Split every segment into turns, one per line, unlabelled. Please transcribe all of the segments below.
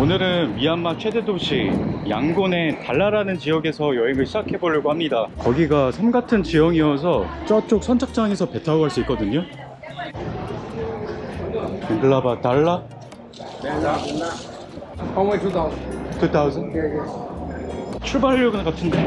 오늘은 미얀마 최대 도시 양곤의 달라라는 지역에서 여행을 시작해 보려고 합니다. 거기가 섬 같은 지형이어서 저쪽 선착장에서 배 타고 갈 수 있거든요. 글라바 달라?
Only 2,000.
2000?
Yeah, yeah.
출발하려는 같은데?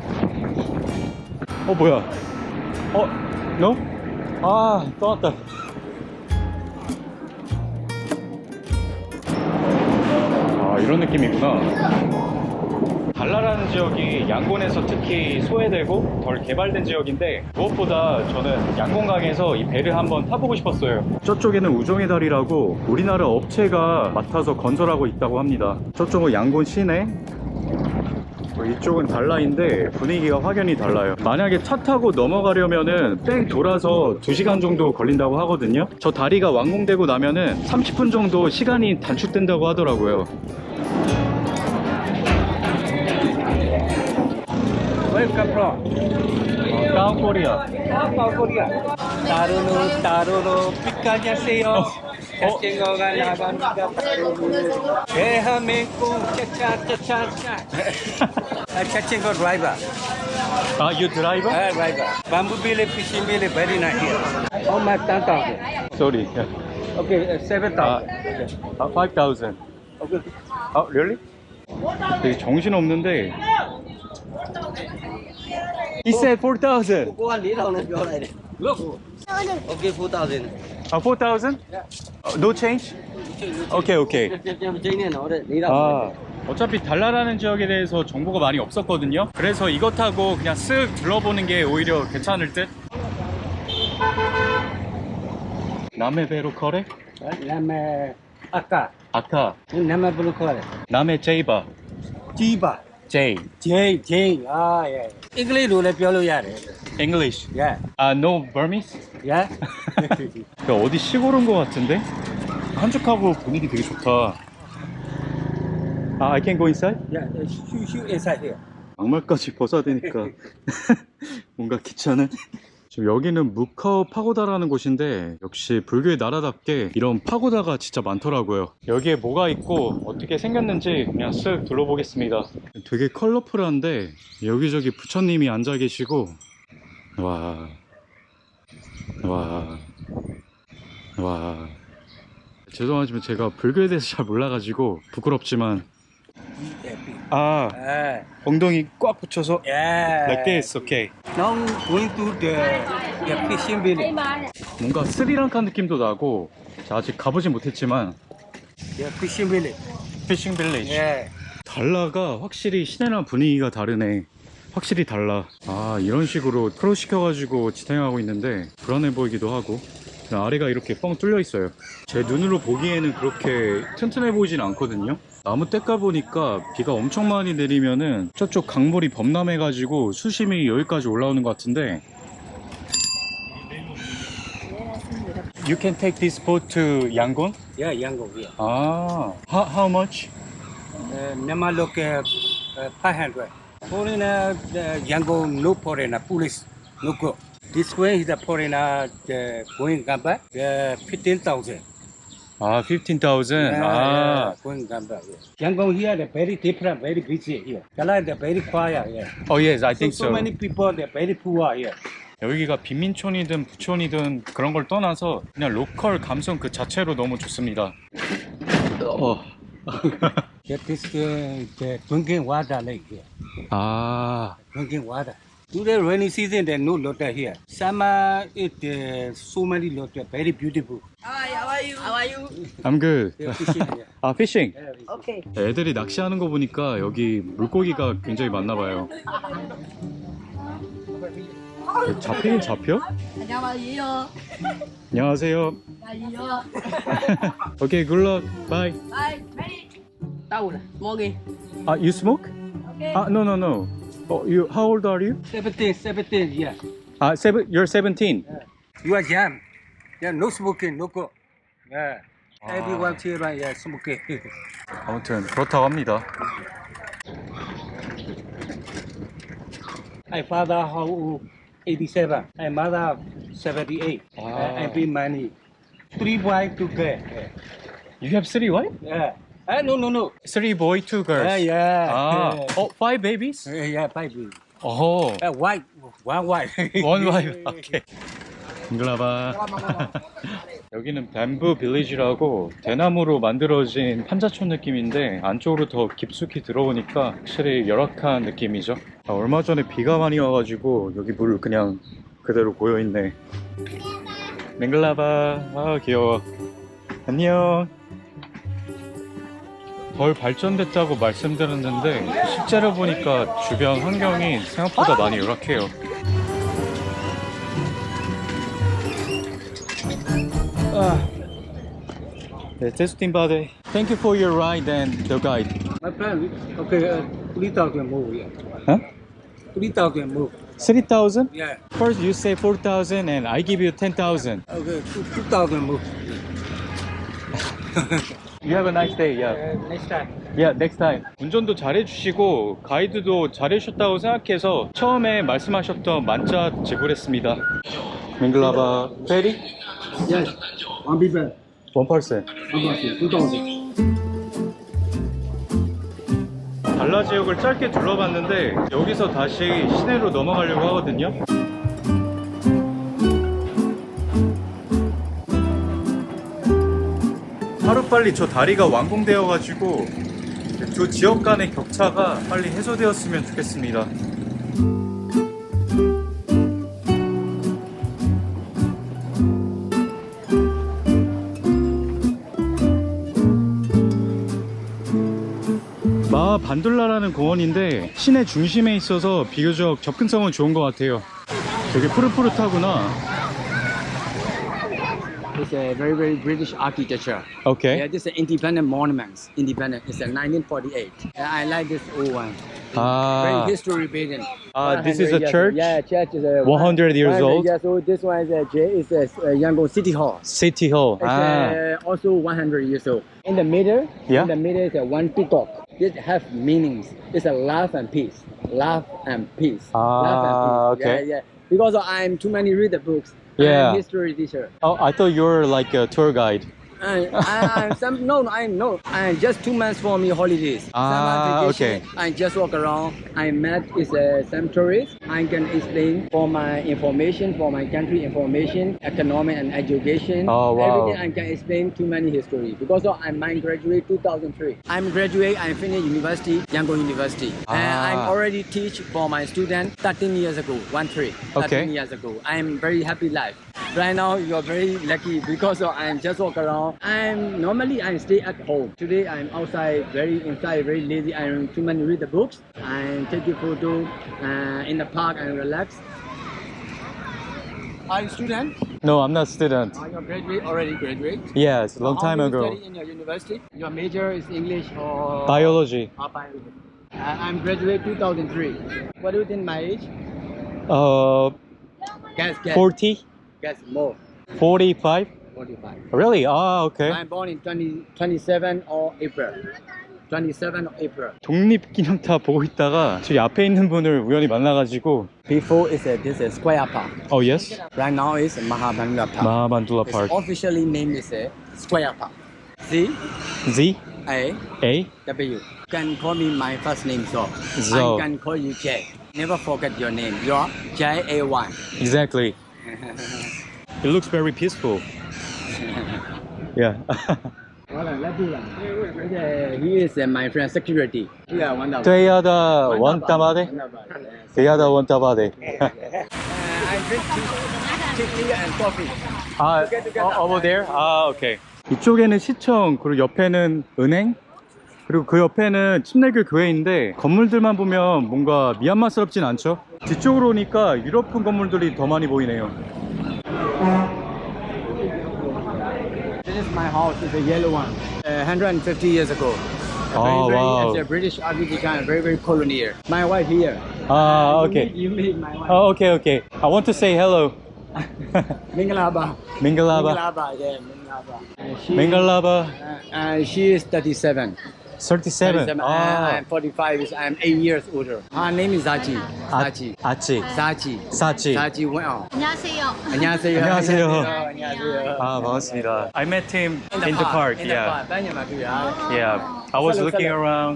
뭐야? No? 아, 떠났다. 이런 느낌이구나. 달라라는 지역이 양곤에서 특히 소외되고 덜 개발된 지역인데 무엇보다 저는 양곤강에서 이 배를 한번 타보고 싶었어요. 저쪽에는 우정의 다리라고 우리나라 업체가 맡아서 건설하고 있다고 합니다. 저쪽은 양곤 시내, 이쪽은 달라인데 분위기가 확연히 달라요. 만약에 차 타고 넘어가려면은 뺑 돌아서 2시간 정도 걸린다고 하거든요. 저 다리가 완공되고 나면은 30분 정도 시간이 단축된다고 하더라고요.
Where you come from?
South Korea.
South Korea. 따로로 빛가냐세요. 자칭거가 나갑니다. 대한민국 차차차차. 자칭거 드라이버.
You driver?
Driver. Bamboo billy, fishing billy, very nice here. How much? 10,000.
Sorry.
Okay, 7,000.
5,000.
Okay.
Really? 되게 정신 없는데. He said 4,000.
Cô ăn lý đâu này chỗ này này. Look. Okay, 4,000.
4,000? No change? Okay. 어차피 달라라는 지역에 대해서 정보가 많이 없었거든요. 그래서 이거 타고 그냥 쓱 둘러보는 게 오히려 괜찮을 듯. 남해 배로 커래?
Nam Aka.
아카.
Nam Bulukore.
남해 제이바.
Chiba.
제이.
Jane. Ah, yeah. English đồ nàyပြောလို့ရတယ်.
English.
Yeah.
No Burmese?
Yeah.
어디 시골 온 것 같은데? 한적하고 분위기 되게 좋다. I can go inside?
Yeah, shoot inside here.
양말까지 벗어야 되니까 뭔가 귀찮은. 지금 여기는 무카오 파고다라는 곳인데 역시 불교의 나라답게 이런 파고다가 진짜 많더라고요. 여기에 뭐가 있고 어떻게 생겼는지 그냥 쓱 둘러보겠습니다. 되게 컬러풀한데 여기저기 부처님이 앉아 계시고 와 죄송하지만 제가 불교에 대해서 잘 몰라가지고 부끄럽지만 엉덩이 꽉 붙여서
Yeah.
like this, okay.
Now going to the fishing village.
뭔가 스리랑카 느낌도 나고 아직 가보진 못했지만
Yeah, fishing village.
피싱 빌리지.
Yeah.
달라가 확실히 시내랑 분위기가 다르네. 확실히 달라. 이런 식으로 크로스 시켜가지고 지탱하고 있는데 불안해 보이기도 하고 그냥 아래가 이렇게 뻥 뚫려 있어요. 제 눈으로 보기에는 그렇게 튼튼해 보이진 않거든요. 나무 떼까 보니까 비가 엄청 많이 내리면은 저쪽 강물이 범람해가지고 수심이 여기까지 올라오는 것 같은데. You can take this boat to Yangon?
Yeah, Yangon. Yeah.
How much?
Nama look 500. Foreigner Yangon no foreigner police no go. This way is the foreigner going come back 15,000.
15,000.
Going come back. Yeah. Yangon here the very different, very busy here. Kala the very quiet here.
Oh yes, I think so.
So many people they're very poor here.
여기가 빈민촌이든 부촌이든 그런 걸 떠나서 그냥 로컬 감성 그 자체로 너무 좋습니다.
This the drinking water lake here. Drinking water. Today rainy season there no water here. Summer it so many water, very beautiful.
Hi, how are you?
I'm good.
They're fishing here.
Fishing.
Okay.
애들이 낚시하는 거 보니까 여기 물고기가 굉장히 많나 봐요. 잡히긴 잡혀?
안녕하세요.
안녕하세요.
안녕하세요.
Okay, good luck. Bye.
Bye. Ready? Tao nè, Morgan.
You smoke?
Okay.
No. How old are you?
17, yeah.
You're 17.
You are young. Yeah, no smoking, no go. Yeah. Everyone here right, yeah, smoking.
아무튼 그렇다고 합니다.
My father how old? 87. My mother 78. I bring money. 3 wives to get.
You have 3 wives?
Yeah. No.
3 boy, 2 girls.
Yeah.
Ah, oh, 5 babies?
Yeah, 5 babies.
Oh,
White, one white.
one wife. 오케이. 잉글라바. 여기는 뱀부 빌리지라고 대나무로 만들어진 판자촌 느낌인데 안쪽으로 더 깊숙이 들어오니까 확실히 열악한 느낌이죠. 얼마 전에 비가 많이 와가지고 여기 물 그냥 그대로 고여있네. 맹글라바. 아 귀여워. 안녕. 덜 발전됐다고 말씀드렸는데 실제로 보니까 주변 환경이 생각보다 많이 열악해요. 네, 테스팅 바데. Thank you for your ride and the guide.
My plan, okay, 3,000 move, yeah.
Huh?
3,000 move.
3,000?
Yeah.
First you say 4,000 and I give you 10,000.
Okay, 2,000 move.
You have a nice day. Yeah.
Next time.
Yeah, next time. 운전도 잘해주시고 가이드도 잘해주셨다고 생각해서 처음에 말씀하셨던 만짜 지불했습니다. 밍글라바 페리?
Yes. One people.
One person.
2,000.
달라 지역을 짧게 둘러봤는데 여기서 다시 시내로 넘어가려고 하거든요. 하루빨리 저 다리가 완공되어 가지고 두 지역 간의 격차가 빨리 해소되었으면 좋겠습니다. 마 반둘라라는 공원인데 시내 중심에 있어서 비교적 접근성은 좋은 것 같아요. 되게 푸릇푸릇하구나.
It's a very British architecture.
오케이.
Yeah, this is independent monuments. Independent. It's a 1948. I like this old one. Very
아,
history building.
this is a
100 years
church?
old. Yeah, church is a
100 years old?
Yes, so this one is a Yangon City Hall.
City Hall.
It's
아,
also 100 years old. In the middle,
Yeah.
in the middle is a one peacock. It have meanings. It's a love and peace. Love and peace. Love and peace.
okay.
Yeah. Because I'm too many read the books.
Yeah.
I'm history teacher.
oh, I thought you were like a tour guide.
I'm just 2 months for me holidays.
Ah,
Summer vacation,
okay.
I just walk around. I met some tourists. I can explain for my information, for my country information, economic and education.
Oh, wow.
Everything I can explain too many history. Because I'm graduate 2003. I'm graduate. I finished university, Yangon University. And I'm
Ah.
already teach for my student 13 years ago. 13
Okay.
years ago. I'm very happy life. Right now you're very lucky because I'm just walk around. I stay at home. Today I'm outside, very inside, very lazy. I'm too many read the books. I take a photo in the park and relax. Are you student?
No, I'm not student.
Are you graduate already graduate?
Yes, long
How
time
do you
ago.
study in your university? Your major is English or
Biology.
biology? I'm graduate 2003. What do you think my age? Guess.
40?
Guess more.
45?
45.
Really? Ah, okay.
I'm born in 27 of April. 27 of April.
독립기념탑 보고 있다가 저기 앞에 있는 분을 우연히 만나가지고.
Before this is Square Park.
Oh, yes?
Right now it's Mahabandla Park.
마하반둘라
It's
Park.
officially named is Square Park. C
Z?
A
A?
W. Can call me my first name so.
So.
I can call you J. Never forget your name. You're J-A-Y.
Exactly. It looks very peaceful. Yeah.
He is my friend security. Yeah, one dollar.
대야다 원타바데? 대야다 원타바데.
I drink tea and coffee.
아, over there? 아, 오케이. 이쪽에는 시청, 그리고 옆에는 은행, 그리고 그 옆에는 침례교 교회인데 건물들만 보면 뭔가 미얀마스럽진 않죠? 뒤쪽으로 오니까 유럽풍 건물들이 더 많이 보이네요.
This is my house. It's a yellow one. 150 years ago.
Oh, wow.
It's a British architecture and very colonial. My wife here.
아, 오케이.
You meet my wife.
Oh, okay, okay. I want to say hello.
Mingalaba.
밍글라바.
Mingalaba. Yeah, Mingalaba.
밍글라바.
She is 37.
37.
37.
Ah.
I'm 45. I'm 8 years older. Her name is Zachi. Zachi.
아치.
Zachi.
사치.
Zachi Wang.
안녕하세요.
안녕하세요.
안녕하세요.
안녕하세요.
아, 반갑습니다. I met him in the park.
In the
Yeah.
park. 빨리 맞고요.
Yeah. I was looking around.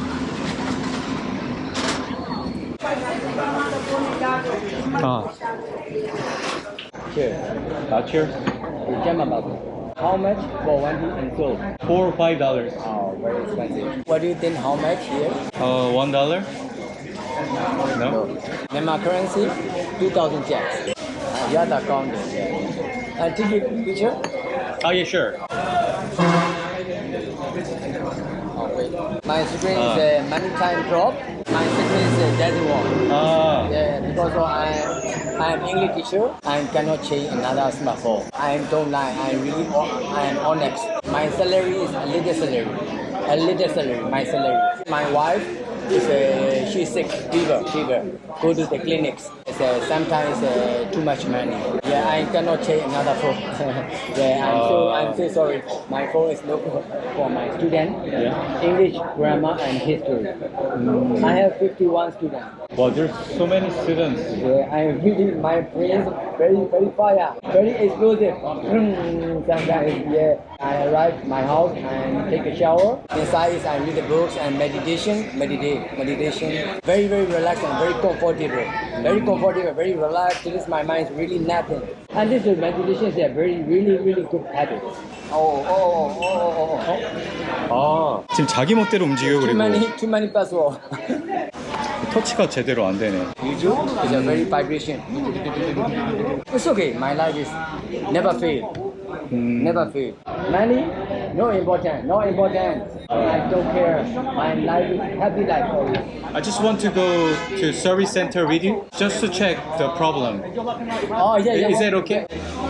Ah,
Cheers.
cheers.
Gemma Babu. How much for one tea and soap?
$4 or $5.
Oh, very expensive. What do you think? How much here?
$1? No.
Myanmar currency, 2,000 jacks. You are the accountant. Take a picture.
Oh, yeah, sure.
Oh, wait. My screen is a money time drop. My screen is a daddy one.
Ah,
Yeah, because I am English teacher. I cannot change another smartphone. I don't lie. I am honest. My salary is a little salary. A little salary. My salary. My wife is she's sick, fever. Go to the clinics. It's sometimes too much money. Yeah, I cannot change another phone. Yeah, I'm so sorry. My phone is no for my student.
Yeah.
English, grammar, and history. I have 51 students.
well, there's so many students.
Yeah, I really my brain very fire, very explosive. Sometimes yeah, I arrive my house and take a shower. Inside is I read the books and meditation. Very relaxed and very comfortable. Very relaxed. This my mind is really napping. And this meditation is a really good habit. Oh.
아, 지금 자기 멋대로 움직여
Too
그리고
many password.
터치가 제대로 안 되네.
YouTube is a very vibration. It's okay. My life is never fail. Never fail. Money, no important. I don't care. My life is happy life always.
I just want to go to service center with you just to check the problem.
Oh yeah.
Is that okay?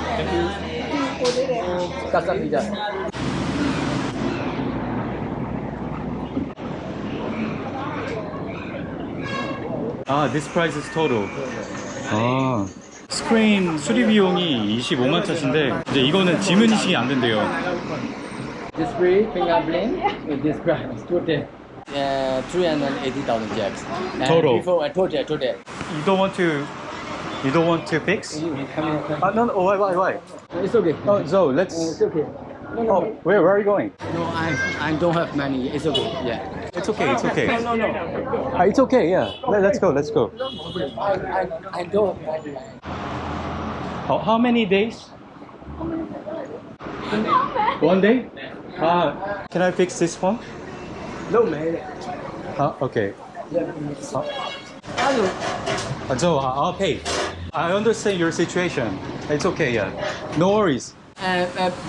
감사합니다.
아, this price is total. 아, 스크린 수리 비용이 25만 차신데 이제 이거는 지문 인식이 안 된대요.
Display fingerprint with this price total. 380,000 jacks. And
Total.
Before total.
You don't want to fix? No, why?
It's okay.
Oh, so let's.
It's okay.
Oh, where are you going?
No, I don't have money. It's okay. Yeah.
It's okay.
No.
It's okay. Yeah. Let's go.
I don't have money.
How many days? 1 day? Can I fix this phone?
No, man.
Okay.
Hello.
So I'll pay. I understand your situation. It's okay. Yeah. No worries.
I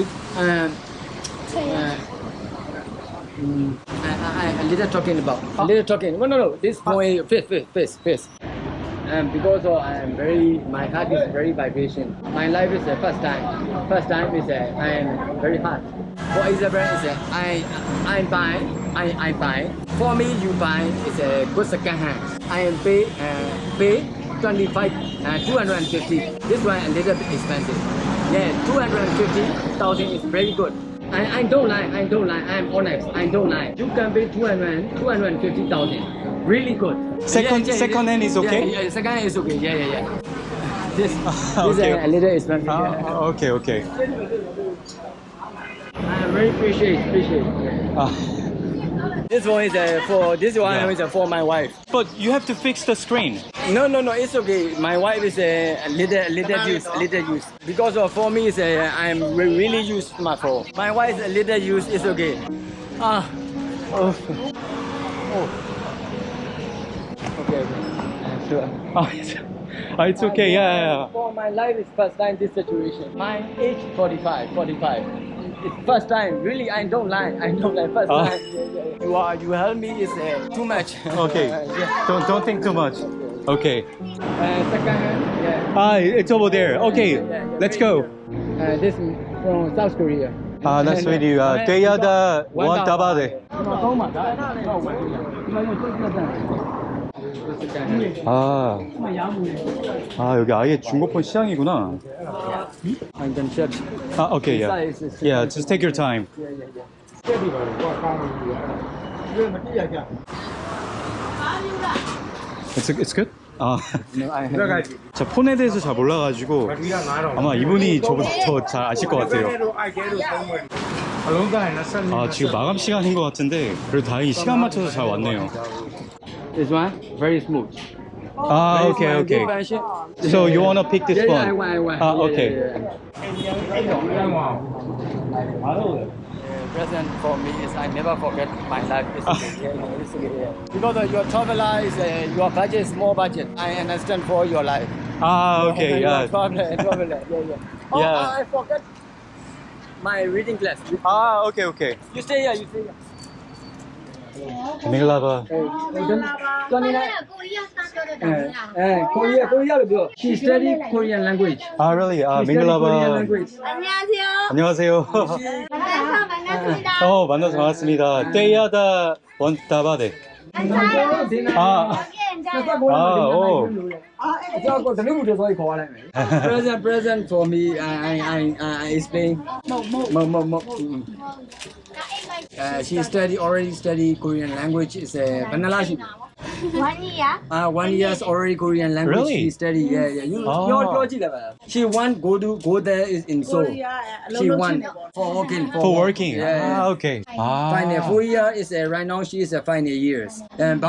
little talking about. Little talking. No. This point, face. Because my heart is very vibration. My life is the first time. First time is I am very hard. For example, is I buy. For me, you buy is a good second hand. I am pay 250. This one a little bit expensive. Yeah, 250,000 is very good. I don't lie. I am honest. I don't lie. You can pay 250,000. Really good.
Second hand is okay?
Yeah, second hand is okay. Yeah. This
Okay.
is a little expensive. Yeah.
Okay.
I very appreciate. This one is for my wife.
But you have to fix the screen.
No, it's okay. My wife is a little use. Because for me, I'm really use my phone. My wife is a little use. It's okay. Okay. Sure.
It's okay. Yeah.
For my life is first time this situation. My age 45. It's first time. Really, I don't lie. First time. You help me is too much.
Okay.
Yeah.
Don't think too much. Okay.
Second hand. Yeah.
It's over there. Okay. Let's go.
This from South Korea.
Nice to meet you. Deyada Wantabade. 여기 아예 중고폰 시장이구나.
I can check.
Okay, yeah. Yeah, just take your time. It's good? 아,
No, I have.
저 폰에 대해서 잘 몰라가지고 아마 이분이 저보다 더 잘 아실 것 같아요. 아, 지금 마감 시간인 것 같은데 그래도 다행히 시간 맞춰서 잘 왔네요.
This one very smooth.
아,
Very
okay,
smooth,
okay.
good fashion.
So you wanna pick this
Yeah, yeah, I
one?
want.
Ah,
Yeah,
okay.
Present for me is I never forget my life. It's okay. Yeah, it's okay. Yeah. Because your traveler is your budget is small budget. I understand for your life.
아, okay,
Your
yeah.
traveler. Yeah. Oh,
Yeah.
I forgot my reading class.
아, okay, okay.
You stay here. You stay here.
밍글라바.
Korea. She study Korean language.
아, really? 아,
She study Korean
밍글라바.
language.
안녕하세요.
안녕하세요.
만나서 반갑습니다.
만나서 반갑습니다. 떼야다 원타바데. 아, 오.
Present for me. I explain. She already study Korean language. Is vanilla.
1 year.
1 years already Korean language.
Really?
She study. Yeah. You She want go there is in Seoul. She want for working. Yeah.
아, okay. 아.
Final 4 year is right now she is a final years. And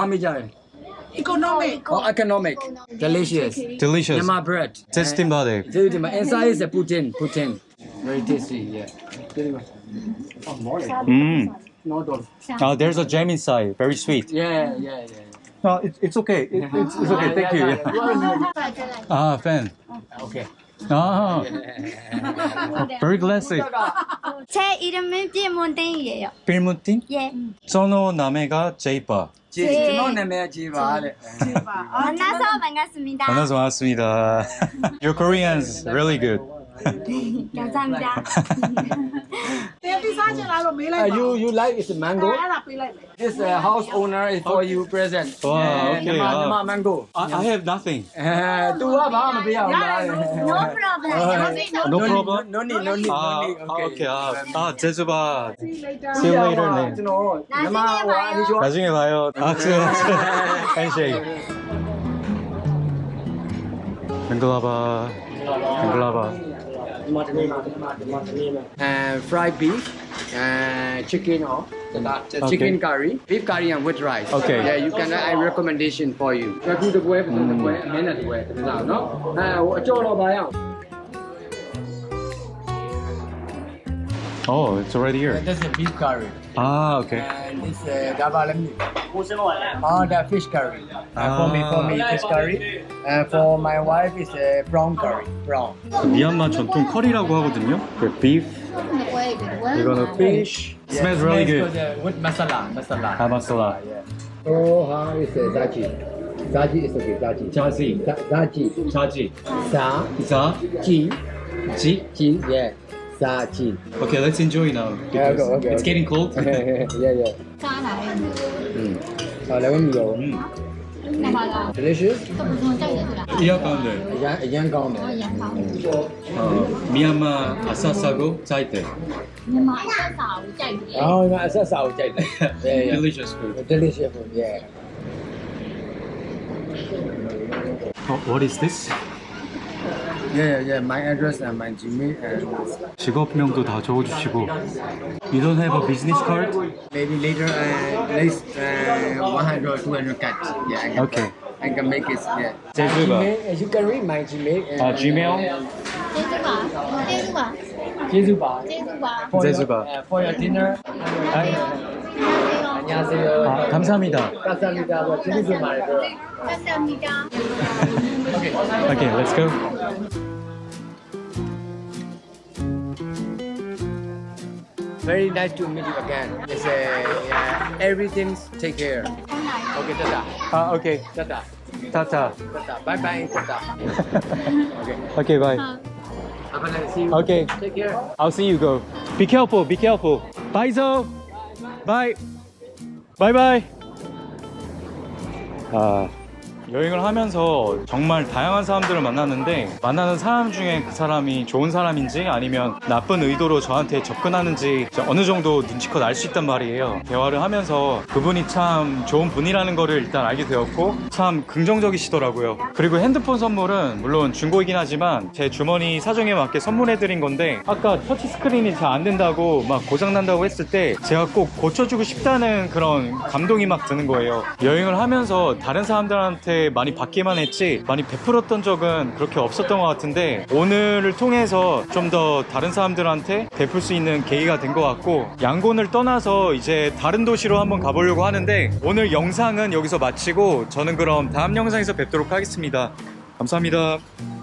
economic. Delicious.
Delicious.
Yama bread.
테스팅바데.
Inside is a Putin. Very tasty. Yeah. No dog.
There's a jam inside. Very sweet.
Yeah.
No, it's okay. It's okay. Thank you. 아, fan.
Okay.
아, very classic.
제 이름은 띠몬땡이에요.
필무팅?
예.
저노 나메가 제이파.
만나서 반갑습니다.
만나서 반갑습니다. Your Korean's really good.
감사합니다.
You like is mango? This house owner is for you present.
Wow, okay.
Nama mango.
I have nothing.
Tu ba ma piao.
No problem.
No problem?
No need.
Okay. 제주바. See you later. 네. 나중에 봐요. handshake. 밍글라바.
Fried beef, chicken or chicken curry, beef curry and with rice.
Okay.
Yeah, you can. I recommendation for you. The way, minute way. No.
Oh, it's already here.
That's a beef curry.
Ah, okay.
And this the fish curry. For me fish curry. For my wife is brown curry. Brown.
미얀마 전통 커리라고 하거든요. 그 beef, 이거는 fish. Smells really good.
With masala.
아, 마살라.
Oh, is zaji. Zaji is okay. Zaji.
자지.
Sa.
지.
Yeah. Zaji.
Okay, let's enjoy now.
Yeah,
because
okay.
It's getting cold.
Yeah. Delicious.
이야 가운데.
Young
미얀마 아싸싸고 짜이테.
Oh, that's how yeah.
Delicious food.
Delicious food. Yeah.
What is this?
Yeah. My address and my Gmail and
직업명도 다 적어주시고. You don't have a business card?
maybe later at least 100 or 200 cuts. Yeah. I can make it. Yeah.
제주가.
Gmail, you can read my Gmail.
Gmail?
제주바.
제주바.
For your dinner. 안녕하세요.
감사합니다.
감사합니다. 재밌게 말해요.
감사합니다.
Okay, let's go.
Very nice to meet you again. It's everything's take care. Okay, tata.
Okay.
Tata.
타타.
Tata. Bye. Tata.
Okay, bye.
Have a nice see you.
Okay.
Take care.
I'll see you go. Be careful. Bye, Zo. Bye. Bye. 여행을 하면서 정말 다양한 사람들을 만났는데 만나는 사람 중에 그 사람이 좋은 사람인지 아니면 나쁜 의도로 저한테 접근하는지 어느 정도 눈치껏 알 수 있단 말이에요. 대화를 하면서 그분이 참 좋은 분이라는 거를 일단 알게 되었고 참 긍정적이시더라고요. 그리고 핸드폰 선물은 물론 중고이긴 하지만 제 주머니 사정에 맞게 선물해드린 건데 아까 터치 스크린이 잘 안 된다고 막 고장난다고 했을 때 제가 꼭 고쳐주고 싶다는 그런 감동이 막 드는 거예요. 여행을 하면서 다른 사람들한테 많이 받기만 했지 많이 베풀었던 적은 그렇게 없었던 것 같은데 오늘을 통해서 좀 더 다른 사람들한테 베풀 수 있는 계기가 된 것 같고 양곤을 떠나서 이제 다른 도시로 한번 가보려고 하는데 오늘 영상은 여기서 마치고 저는 그럼 다음 영상에서 뵙도록 하겠습니다. 감사합니다.